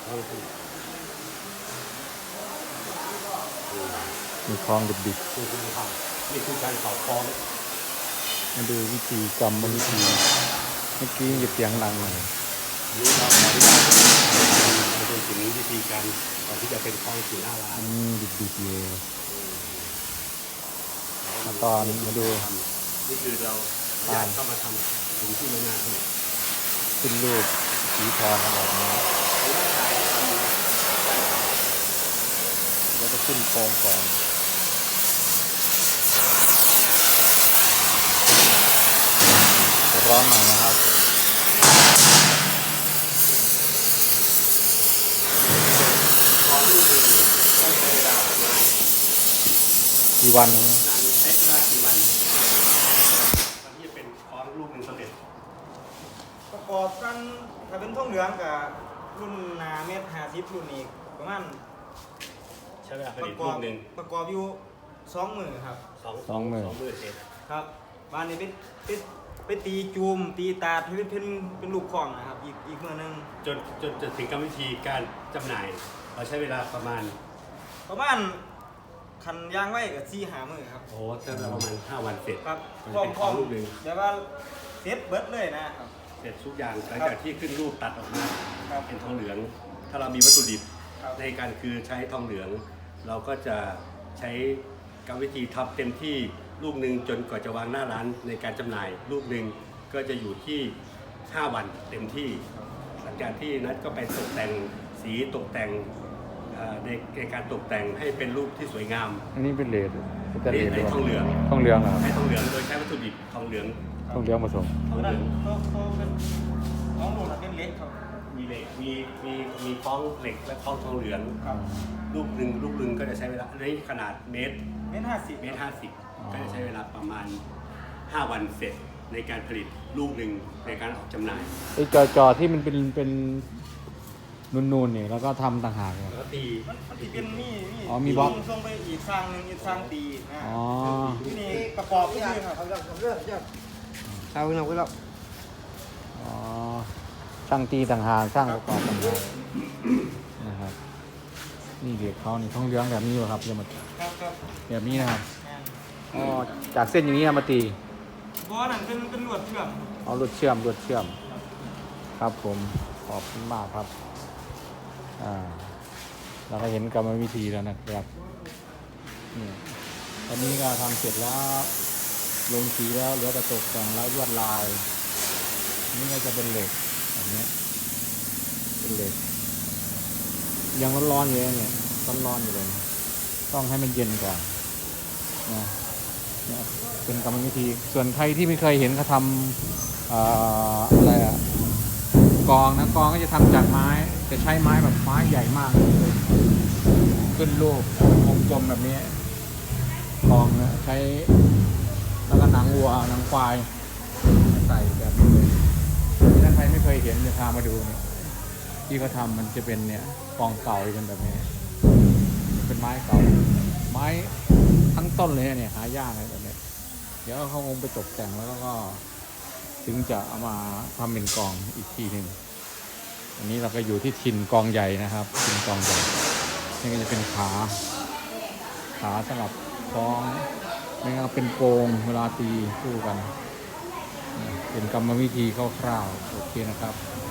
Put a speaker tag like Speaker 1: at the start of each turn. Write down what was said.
Speaker 1: มีคลองดิบ
Speaker 2: นี่คือการเผาคลอง
Speaker 1: ๆมาดูวิธีกรรมวิธีเมื่อกี้หยุดเสียงดังหน่อย
Speaker 2: นี่เราขออนุญาตมาดูถึงวิธีการก่อนที่จะเป็นคลองสู่หน้าร้าน
Speaker 1: ดิบๆเลยมาตอนมาดู
Speaker 2: นี่คือเราญาติเข้ามาทำถึงที่โรงงาน
Speaker 1: ขึ้นรูปสีทองแบบนี้แล้วก็ขึ้นโครงก่อนร้อนหน่อยนะครับกี่วันนะ
Speaker 2: ใช้เวลากี่วันที่จะเป็นคลองลูกหนึ่งสำเร็จ
Speaker 3: ประกอบกันถ้าเป็นท่องเหลืองกับรุ่นนาเมตร50รุ่นนี้ประมาณ
Speaker 2: ใช้เวลาผลิตลูกหนึ่ง
Speaker 3: ประกอบอยู่20,000ครับ
Speaker 1: 20,000
Speaker 3: เสร็จครับบ้านนี้เป็นตีจูมตีตาที่เป็นลูกคล้องนะครับอีกเมื่อนึง
Speaker 2: จนถึงกรรมวิธีการจำหน่ายเราใช้เวลาประมาณ
Speaker 3: คันย่างไว้กับ4-5 มื้อครับ
Speaker 2: โอ้ใช้เวลาประมาณ5 วันเสร็จ
Speaker 3: ครับ
Speaker 2: เป็นของลูกหนึ่ง
Speaker 3: แต่ว่าเสร็จเบิดเลยนะครับ
Speaker 2: เสร็จทุกอย่างหลังจากที่ขึ้นรูปตัดออกมาเป็นทองเหลืองถ้าเรามีวัตถุดิบในการคือใช้ทองเหลืองเราก็จะใช้กรรมวิธีทำเต็มที่ลูกหนึ่งจนกว่าจะวางหน้าร้านในการจำหน่ายลูกหนึ่งก็จะอยู่ที่5 วันเต็มที่หลังจากที่นัดก็ไปตกแต่งสีตกแต่งในการตกแต่งให้เป็นรูปที่สวยงาม
Speaker 1: อันนี้เป็นเลด
Speaker 2: ในทองเหลือง
Speaker 1: เหรอ
Speaker 2: ใช้ทองเหลืองโดยใช้วัตถุดิบทองเหลือง
Speaker 1: ผสม
Speaker 3: ทองเหลืองเขาเป็นของหลุดเป็นเล็กครับ
Speaker 2: มีเหล็กมีคล้องเหล็กและคล้องทองเหลืองลูกหนึ่งก็จะใช้เวลาในขนาดเมตร 50ก็จะใช้เวลาประมาณ5 วันเสร็จในการผลิตลูกหนึ่งในการออกจำหน่าย
Speaker 1: ไอ้จอที่มันเป็นนูนๆเนี่ยแล้วก็ทำต่างหาก
Speaker 2: แล้วก็ตี
Speaker 3: มันเป็นนี่
Speaker 1: มีบล็อก
Speaker 3: ส่งไปอีกสร้างหนึ่งอีกสร้างตีที่นี่ประกอบที่นี่ครับ
Speaker 1: ช่างตีต่างหากช่างประกอบต่างหากนะครับนี่เด็กเขานี่ทองเหลืองแบบนี้เหรอครับจะมาแบบนี้นะครับจากเส้นอย่างนี้มาตี
Speaker 3: บอนั่นเป็นลวดเชื่อม
Speaker 1: ลวดเชื่อมครับผมขอบคุณมากครับเราก็เห็นกรรมวิธีแล้วนะครับนี่ตอนนี้ก็ทำเสร็จแล้วลงสีแล้วเหลือแต่ตกแต่งแล้วลวดลายนี่ก็จะเป็นเหล็กแบบนี้เป็นเหล็กยังร้อนๆอยู่เนี่ยร้อนๆอยู่เลยต้องให้มันเย็นก่อนนะเป็นกรรมวิธีส่วนใครที่ไม่เคยเห็นเขาทำอะไรกองก็จะทำจากไม้จะใช้ไม้แบบไม้ใหญ่มากเลยขึ้นรูปวงกลมแบบนี้กองนะใช้แล้วก็หนังวัวหนังควายใส่แบบนี้เลยถ้าใครไม่เคยเห็นจะพามาดูนี่ที่เขาทำมันจะเป็นเนี่ยกองเก่าเป็นแบบนี้เป็นไม้เก่าไม้ทั้งต้นเลยเนี่ยหายากเลยแบบนี้เดี๋ยวเขาคงไปตกแต่งแล้วก็ถึงจะเอามาทำเป็นกองอีกทีหนึ่งอันนี้เราก็อยู่ที่ถิ่นกองใหญ่นะครับถิ่นกองใหญ่นี่ก็จะเป็นขาสำหรับคล้องไม่งั้นเป็นโกงเวลาตีคู่กันเป็นกรรมวิธีคร่าวๆโอเคนะครับ